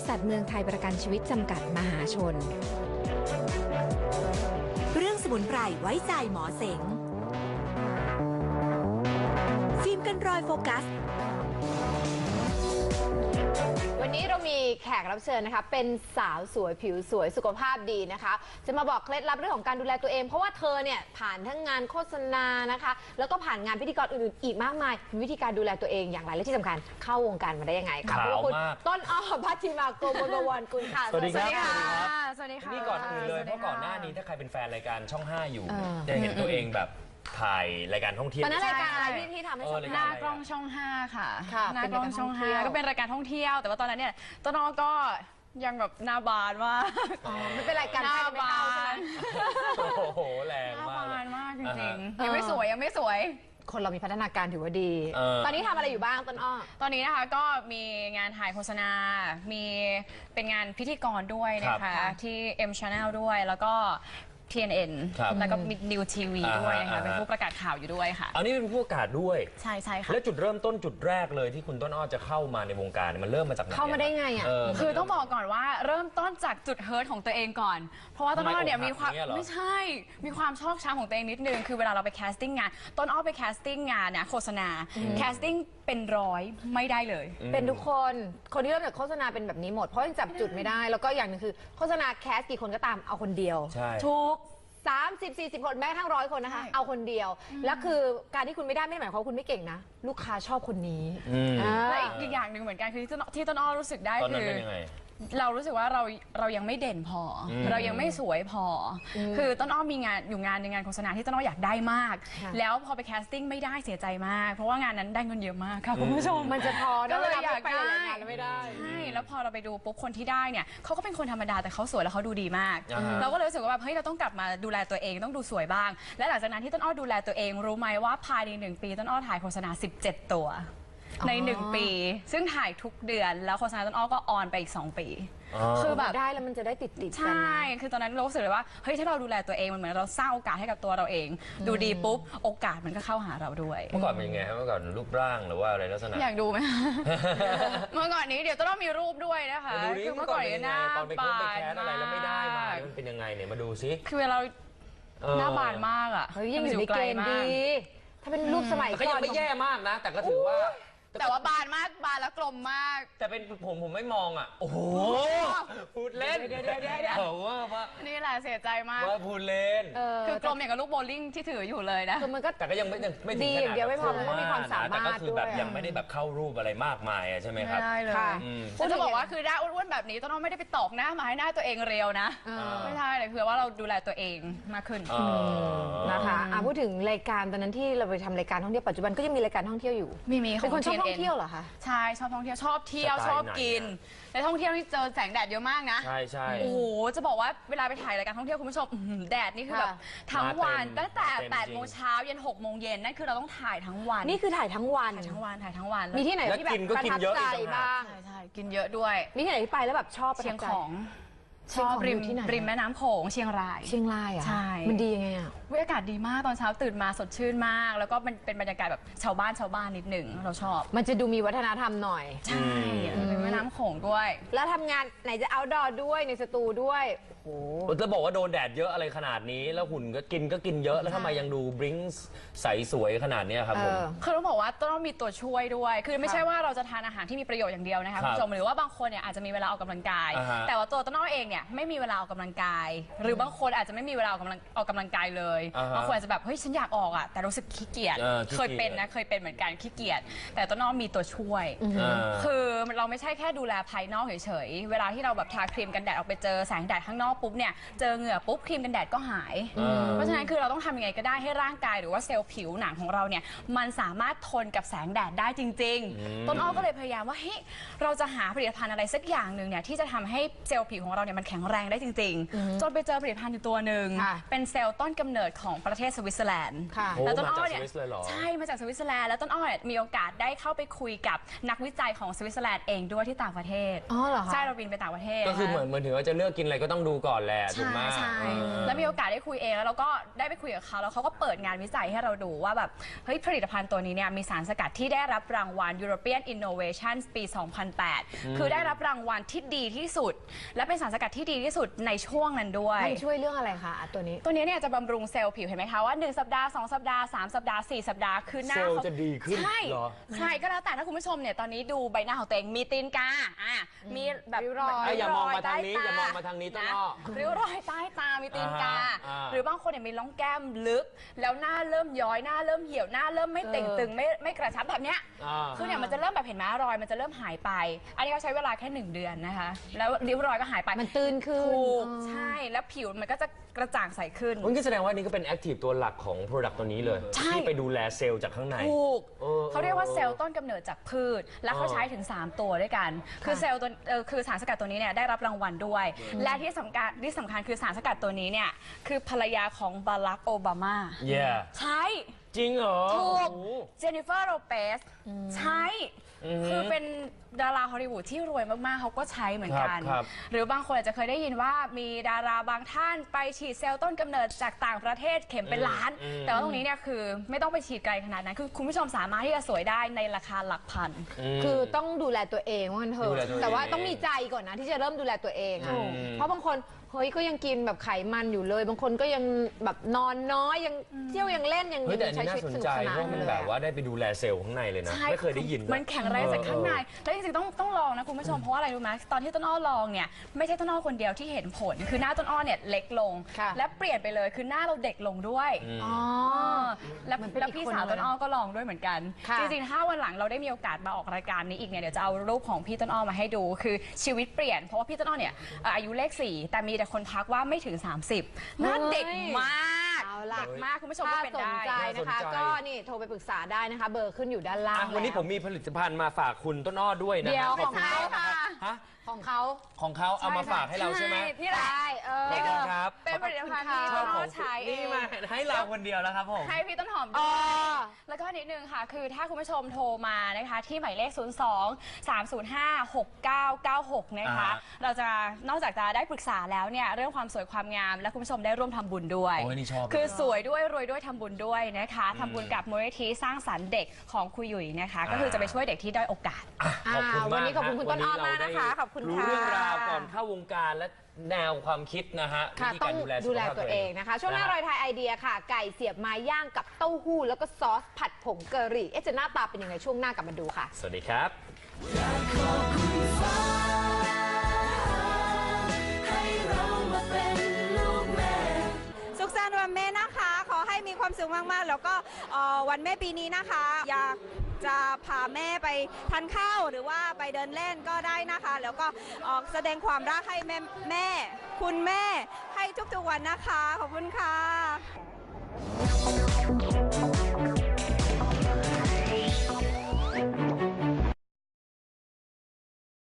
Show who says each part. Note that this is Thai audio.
Speaker 1: ษัทเมืองไทยประกันชีวิตจำกัดมหาชน
Speaker 2: เรื่องสมุนไพรไว้ใจหมอเสงฟิล์มกันรอยโฟกัส
Speaker 3: วันนี้เรามีแขกรับเชิญนะคะเป็นสาวสวยผิวสวยสุขภาพดีนะคะจะมาบอกเคล็ดลับเรื่องของการดูแลตัวเองเพราะว่าเธอเนี่ยผ่านทั้งงานโฆษณานะคะแล้วก็ผ่านงานพิธีกรอื่นๆอีกมากมายมีวิธีการดูแลตัวเองอย่างไรและที่สำคัญเข้าวงการมาได้ยังไงคะเพราะว่าคุณต้นอ้อพัชมาโกมลวรกุลค่ะ
Speaker 4: สวัสดีครับ
Speaker 3: สวัสดีค่ะ
Speaker 4: นี่ก่อนอื่นเลยเพราะก่อนหน้านี้ถ้าใครเป็นแฟนรายการช่อง 5อยู่จะเห็นตัวเองแบบถ่ายรายการท่องเที่ยว
Speaker 3: ตอนนั้นรายการอะไรที่ทำให้ช่อง
Speaker 5: หน้ากล้องช่อง 5ค่ะ
Speaker 3: หน้ากล้องช่อง
Speaker 5: 5ก็เป็นรายการท่องเที่ยวแต่ว่าตอนนั้นเนี่ยต้นอ้อก็ยังแบบหน้าบานมาก
Speaker 3: มันเป็นรายการหน้าบาน
Speaker 4: โอ้โหแรงมาก
Speaker 5: หน้าบานมากจริงๆยังไม่สวย
Speaker 3: คนเรามีพัฒนาการถือว่าดีตอนนี้ทำอะไรอยู่บ้างต้นอ้อ
Speaker 5: ตอนนี้นะคะก็มีงานถ่ายโฆษณามีเป็นงานพิธีกรด้วยนะคะที่ M Channel ด้วยแล้วก็TNN แล้วก็มี New TV ด้วยนะคะเป็นผู้ประกาศข่าวอยู่ด้วยค่ะ
Speaker 4: อันนี้เป็นผู้ประกาศด้วย
Speaker 5: ใช่ค่ะ
Speaker 4: แล้วจุดเริ่มต้นจุดแรกเลยที่คุณต้นอ้อจะเข้ามาในวงการมันเริ่มมาจากไหน
Speaker 3: เข้ามาได้ไงอ่ะ
Speaker 5: คือต้องบอกก่อนว่าเริ่มต้นจากจุดเฮิร์ตของตัวเองก่อนเพราะว่าต้นอ้อเนี่ยมีความไม่ใช่มีความชอบช้ำของตัวเองนิดนึงคือเวลาเราไปแคสติ้งงานต้นอ้อไปแคสติ้งงานนะโฆษณาแคสติ้งเป็นร้อยไม่ได้เลย
Speaker 3: เป็นทุกคนที่เริ่มจากโฆษณาเป็นแบบนี้หมดเพราะยังจับจุดไม่ได้แล้วก็อย่างนึงคือโฆษณาแคสกี่คนก็ตามเอาคนเดียวทุก30-40 คนแม้ทั้ง100 คนนะคะเอาคนเดียวแล้วคือการที่คุณไม่ได้ไม่ได้หมายความว่าคุณไม่เก่งนะลูกค้าชอบคนนี้
Speaker 5: และอีกอย่างหนึ่งเหมือนกันคือที่ต้นอ้อรู้สึกได้คือเรารู้สึกว่าเรายังไม่เด่นพอเรายังไม่สวยพอคือต้นอ้อมีงานอยู่งานในงานโฆษณาที่ต้นอ้ออยากได้มากแล้วพอไปแคสติ้งไม่ได้เสียใจมากเพราะว่างานนั้นได้เงินเยอะมากค่ะคุณผู้ชม
Speaker 3: มันจะพอ
Speaker 5: ก็เลยอยากได้
Speaker 3: ไม่ได้
Speaker 5: ใช่แล้วพอเราไปดูปุ๊บคนที่ได้เนี่ยเขาก็เป็นคนธรรมดาแต่เขาสวยแล้วเขาดูดีมากเราก็เลยรู้สึกว่าแบบเฮ้ยเราต้องกลับมาดูแลตัวเองต้องดูสวยบ้างและหลังจากนั้นที่ต้นอ้อดูแลตัวเองรู้ไหมว่าภายใน1 ปีต้นอ้อถ่ายโฆษณา17 ตัวใน1 ปีซึ่งถ่ายทุกเดือนแล้วโฆษณาต้นอ้อก็ออนไปอีก2 ปี
Speaker 3: คือแบบได้แล้วมันจะได้ติดกัน
Speaker 5: ใช่คือตอนนั้นเรารู้สึกเลยว่าเฮ้ยถ้าเราดูแลตัวเองมันเหมือนเราสร้างโอกาสให้กับตัวเราเองดูดีปุ๊บโอกาสมันก็เข้าหาเราด้วย
Speaker 4: เมื่อก่อนเป็นยังไงเมื่อก่อนรูปร่างหรือว่าอะไรลักษณะ
Speaker 5: อยากดูไหมเมื่อก่อนนี้เดี๋ยวต้องมีรูปด้วยนะคะ
Speaker 4: คือเมื่อก่อนหน้าบานมากอะไรแล้วไม่ได้มามันเป็นยังไงเนี่ยมาดูซิ
Speaker 5: คือเราหน้าบานมากอ่ะ
Speaker 3: เฮ้ยยังอยู่ในเกณฑ์ดีถ้าเป็นรูปสมัยก่อน
Speaker 4: ก็ยังไม่แย่มากนะแต่ก็ถือว่า
Speaker 5: แต่ว่าบานมากบานแล้วกลมมาก
Speaker 4: แต่เป็นผมไม่มองอ่ะโอ้โหพูดเล่นเดี๋ยวว่า
Speaker 5: นี่แหละเสียใจมาก
Speaker 4: ว่าพูดเล่น
Speaker 5: คือกลมอย่างกับลูกโบลิ่งที่ถืออยู่เลยนะ
Speaker 3: คือมันก็
Speaker 4: แต่ก็ยังไม่ถึงขนาด
Speaker 3: เดียวไม่พอมันก็มีความสามารถ
Speaker 4: แต่ก็คือแบบยังไม่ได้แบบเข้ารูปอะไรมากมายใช่ไหมครับ
Speaker 5: ไม่ได้เลยจะบอกว่าคือได้อ้วนๆแบบนี้ต้องไม่ได้ไปตอกหน้ามาให้หน้าตัวเองเรียวนะไม่ใช่เลยคือว่าเราดูแลตัวเองมากขึ้น
Speaker 3: นะคะพูดถึงรายการตอนนั้นที่เราไปทำรายการท่องเที่ยวปัจจุบันก็ยังมีรายการท่องเที่ยวอยู่
Speaker 5: มี
Speaker 3: เป็นคนชอบท่องเที่ยวเหรอคะ
Speaker 5: ใช่ชอบท่องเที่ยวชอบเที่ยวชอบกินในท่องเที่ยวนี่เจอแสงแดดเยอะมากนะ
Speaker 4: ใช่
Speaker 5: โอ้โหจะบอกว่าเวลาไปถ่ายรายการท่องเที่ยวคุณผู้ชมแดดนี่คือแบบทั้งวันตั้งแต่8 โมงเช้าเย็น6 โมงเย็นนั่นคือเราต้องถ่ายทั้งวัน
Speaker 3: นี่คือถ่ายทั้งวันมีที่ไหนที่แบบประทับใจบ้าง
Speaker 5: ใช่กินเยอะด้วย
Speaker 3: มีที่ไหนที่ไปแล้วแบบชอบ
Speaker 5: เชียงของชอบริมแม่น้ำโขงเชียงราย
Speaker 3: อ่ะ
Speaker 5: ใช่
Speaker 3: มันดียังไงอ่ะ
Speaker 5: อากาศดีมากตอนเช้าตื่นมาสดชื่นมากแล้วก็มันเป็นบรรยากาศแบบชาวบ้านนิดหนึ่งเราชอบ
Speaker 3: มันจะดูมีวัฒนธรรมหน่อย
Speaker 5: ใช่เป็นแม่น้ำโขงด้วย
Speaker 3: แล้วทำงานไหนจะเอาท์ดอร์ด้วยในสตูด้วยโอ้โห
Speaker 4: จะบอกว่าโดนแดดเยอะอะไรขนาดนี้แล้วหุ่นก็กินเยอะแล้วทำไมยังดูบลิ้งใสสวยขนาดนี้ครับผม
Speaker 5: คือต้องบอกว่าต้องมีตัวช่วยด้วยคือไม่ใช่ว่าเราจะทานอาหารที่มีประโยชน์อย่างเดียวนะคะคุณผู้ชมหรือว่าบางคนเนี่ยอาจจะมีเวลาออกกำลังกายแต่ว่าตัวต้นอ้อเองเนี่ยไม่มีเวลาออกกำลังกายหรือบางคนอาจจะไม่มีเวลาออกกำลังกายเลยบางคนอาจจะแบบเฮ้ยฉันอยากออกอ่ะแต่รู้สึกขี้เกียจเคยเป็นเหมือนกันขี้เกียจแต่ต้นอ้อมีตัวช่วยคือเราไม่ใช่แค่ดูแลภายนอกเฉยๆเวลาที่เราแบบทาครีมกันแดดออกไปเจอแสงแดดข้างนอกปุ๊บเนี่ยเจอเหงื่อปุ๊บครีมกันแดดก็หายเพราะฉะนั้นคือเราต้องทำยังไงก็ได้ให้ร่างกายหรือว่าเซลล์ผิวหนังของเราเนี่ยมันสามารถทนกับแสงแดดได้จริงๆต้นอ้อก็เลยพยายามว่าเฮ้ยเราจะหาผลิตภัณฑ์อะไรสักอย่างหนึ่งเนี่ยที่จะทำให้เซลล์ผิวของเราเนี่ยมันแข็งแรงได้จริงๆจนไปเจอผลิตภัณฑ์อยู่ตัวหนึ่งเป็นเซลล์ต้นกำเนิดของประเทศสวิตเซอร์แลนด์
Speaker 4: แล้วต้นอ้อเนี่ย
Speaker 5: ใช่มาจากสวิตเซอร์แลนด์แล้วต้นอ้อมีโอกาสได้เข้าไปคุยกับนักวิจัยของสวิตเซอร์แลนด์เองด้วยที่ต่างประเทศ
Speaker 3: อ๋อเหรอคะ
Speaker 5: ใช่เราบินไปต่างประเทศ
Speaker 4: ก็คือเหมือนถึงว่าจะเลือกกินอะไรก็ต้องดูก่อนแหละถูกไหม
Speaker 5: ใช่แล้วมีโอกาสได้คุยเองแล้วเราก็ได้ไปคุยกับเขาแล้วเขาก็เปิดงานวิจัยให้เราดูว่าแบบเฮ้ยผลิตภัณฑ์ตัวนี้เนี่ยมีสารสกัดที่ได้รับรางวัล European Innovation ปี 2008 คือได้รับรางวัลที่ดีที่สุดและเป็นสารสกัดที่ดีที่สุดในช่วงนั้นด้วย
Speaker 3: มันช่วยเรื่องอะไรคะตัวนี้
Speaker 5: ตัวนี้เนี่ยจะบำรุงเซลล์ผิวเห็นไหมคะว่า1สัปดาห์2สัปดาห์3สัปดาห์4สัปดาห์คือหน้า
Speaker 4: เซลล์
Speaker 5: เขา
Speaker 4: จะดีขึ้น
Speaker 5: ใช่
Speaker 4: เหรอ
Speaker 5: ใช่ก็แล้วแต่ถ้าคุณผู้ชมเนี่ยตอนนี้ดูใบหน้าของตัวเองมีตีนกามีแบบ
Speaker 3: ริ้วรอย
Speaker 4: อย่ามองมาทางนี้
Speaker 5: ใต้ต
Speaker 4: อย่ามองมาทางนี้ต้นอ้อ
Speaker 5: ริ้วรอยใต้ตามีตีนกา
Speaker 4: อ่า
Speaker 5: หรือบางคนเนี่ยมีร่องแก้มลึก แล้วหน้าเริ่มย้อยหน้าเริ่มเหี่ยวหน้าเริ่มไม่เต่งตึงไม่กระชับแบบเนี้ย คือเนี่ยมันจะเริ่มแบบเห็นไหมรอยมันจะเริ่มหายไป อันนี้เขาใช้เวลาแค่1 เดือนนะคะ แล้วริ้วรอยก็หายไป
Speaker 3: มันตื้นขึ้น
Speaker 5: ถูกใช่ แล้วผิวมันก็จะกระจ่างใสขึ้น
Speaker 4: มันก็แสดงว่านี่ก็เป็นแอคทีฟตัวหลักของ Product ตัวนี้เลย
Speaker 5: ใช่
Speaker 4: ที่ไปดูแลเซลล์จากข้างใน
Speaker 5: ถูกเขาเรียกว่าเซลล์ต้นกำเนิดจากพืช และเขาใช้ถึง 3 ตัวด้วยกัน คือเซลล์ตัวคือสารสกัดตัวนี้เนี่ยได้รับรางวัลด้วย และที่สำคัญคือสารสกัดตัวนี้เนี่ยคือภรรยาของบารักโอบามา
Speaker 4: Yeah
Speaker 5: ใช้
Speaker 4: จริงเหรอ
Speaker 5: ถูก
Speaker 4: โอ้โห
Speaker 5: เจนนิเฟอร์โรเปสใช้คือเป็นดาราฮอลลีวูดที่รวยมากๆเขาก็ใช้เหมือนกัน
Speaker 4: ครับ
Speaker 5: หรือบางคนอาจจะเคยได้ยินว่ามีดาราบางท่านไปฉีดเซลล์ต้นกำเนิดจากต่างประเทศเข็มเป็นล้าน แต่ว่าตรงนี้เนี่ยคือไม่ต้องไปฉีดไกลขนาดนั้นคือคุณผู้ชมสามารถที่จะสวยได้ในราคาหลักพัน
Speaker 3: คือต้องดูแลตัวเองว่างั้นเถ
Speaker 4: ดูแล
Speaker 3: อะ
Speaker 4: ตัวเอง
Speaker 3: แต่ว่าต้องมีใจก่อนนะที่จะเริ่มดูแลตัวเองอะเพราะบางคนเฮ้ยก็ยังกินแบบไขมันอยู่เลย บางคนก็ยังแบบนอนน้อยยังเที่ยวยังเล่นยัง
Speaker 4: เฮ้ยแต่อัน
Speaker 3: ใช้
Speaker 4: นี้
Speaker 3: ชี
Speaker 4: น่า
Speaker 3: วิต
Speaker 4: สน
Speaker 3: สนุ
Speaker 4: ใจ
Speaker 3: กสนา
Speaker 4: เพ
Speaker 3: น
Speaker 4: ราะมัน
Speaker 3: เลย
Speaker 4: แบบว่าได้ไปดูแลเซลล์ข้างในเลยนะ
Speaker 5: ใช่
Speaker 4: ไม่เคยได้ยิน
Speaker 5: มันแข็งแรงจากข้างใน แล้วจริงๆต้องลองนะคุณผู้ชม เพราะว่าอะไรรู้ไหมตอนที่ต้นอ้อลองเนี่ยไม่ใช่ต้นอ้อคนเดียวที่เห็นผล คือหน้าต้นอ้อเนี่ยเล็กลง และเปลี่ยนไปเลยคือหน้าเราเด็กลงด้วย
Speaker 3: อ๋อ
Speaker 5: แล้ว
Speaker 3: มันเป็น
Speaker 5: แล้ว
Speaker 3: อีก
Speaker 5: พี่
Speaker 3: คน
Speaker 5: สาว
Speaker 3: เลย
Speaker 5: ต้นอ้อก็ลองด้วยเหมือนกัน
Speaker 3: ค่ะ
Speaker 5: จริงๆถ้าวันหลังเราได้มีโอกาสมาออกรายการนี้อีกเนี่ยเดี๋ยวจะเอารูปของพี่ต้นอ้อมาให้ดู คือชีวิตเปลี่ยนเพราะว่าพี่ต้นอ้อเนี่ยอายุเลข 4 แต่มีแต่คนทักว่าไม่ถึง 30หน้าเด็กมาก
Speaker 3: เอาล่ะ
Speaker 5: เด็กมากคุณผู้ชมก็
Speaker 3: ถ้า
Speaker 5: เป็น
Speaker 3: สน
Speaker 5: ได้
Speaker 3: ใจนะคะ ก็นี่โทรไปปรึกษาได้นะคะ เบอร์ขึ้นอยู่ด้านล่าง
Speaker 4: วันนี้
Speaker 3: แล้ว
Speaker 4: ผมมีผลิตภัณฑ์มาฝากคุณต้นอ้อด้วยนะ
Speaker 3: เดี๋ยว
Speaker 4: ขอบคุณ
Speaker 3: ของเขา
Speaker 4: มากนะครับ
Speaker 3: ค่ะ
Speaker 4: ฮะ
Speaker 3: ของเขา
Speaker 4: ของเขาเอามาฝากให้เราใช่ไหม
Speaker 5: นี่แหละ
Speaker 3: ใช่เออ
Speaker 4: ขอบคุณครับ
Speaker 5: เป็นผลิตภัณฑ์ที่
Speaker 3: ข
Speaker 5: ต้
Speaker 3: อบ
Speaker 5: น
Speaker 3: คุ
Speaker 5: อ้อ
Speaker 3: ณ
Speaker 5: ใช้เอ
Speaker 4: นี่
Speaker 5: ง
Speaker 4: มาให้เราคนเดียวแล้วครับผม
Speaker 5: ให้พี่ต้นหอม
Speaker 3: อ๋
Speaker 5: ด้
Speaker 3: อ
Speaker 5: วยแล้วก็นิดนึงค่ะ คือถ้าคุณผู้ชมโทรมานะคะ ที่หมายเลข 02-305-6996 นะคะ เราจะนอกจากจะได้ปรึกษาแล้วเนี่ย เรื่องความสวยความงาม และคุณผู้ชมได้ร่วมทำบุญด้วย
Speaker 4: โอ้ยนี่ชอบ
Speaker 5: คือสวยด้วยรวยด้วยทำบุญด้วยนะคะทำบุญกับมูลนิธิสร้างสรรค์เด็กของครูหยุ่ยนะคะ ก็คือจะไปช่วยเด็กที่ด้อยโอกาส
Speaker 4: ขอบคุณมาก
Speaker 3: วันนี้ขอบคุณคุณต้นอ้อมากนะคะ
Speaker 4: วั
Speaker 3: ขอบคุณ
Speaker 4: รู้
Speaker 3: ค่ะ
Speaker 4: เรื่องราวก่อนเข้าวงการและแนวความคิดนะฮะ
Speaker 3: ค่ะ
Speaker 4: วิธี
Speaker 3: ต้
Speaker 4: กา
Speaker 3: อง
Speaker 4: รดูแล
Speaker 3: ดูแล
Speaker 4: สุขภาพ
Speaker 3: ตัวเองนะคะ ช่วงหน้ารอยไทยไอเดียค่ะ ไก่เสียบไม้ย่างกับเต้าหู้แล้วก็ซอสผัดผงกะหรี่จะหน้าตาเป็นยังไงช่วงหน้ากลับมาดูค่ะ
Speaker 4: สวัสดีครับ
Speaker 6: สุขสันต์วันแม่นะคะ ขอให้มีความสุขมาก ๆ แล้วก็วันแม่ปีนี้นะคะ อยากจะพาแม่ไปทานข้าวหรือว่าไปเดินเล่นก็ได้นะคะ แล้วก็แสดงความรักให้แม่ คุณแม่ให้ทุกๆวันนะคะ ขอบคุณค่ะ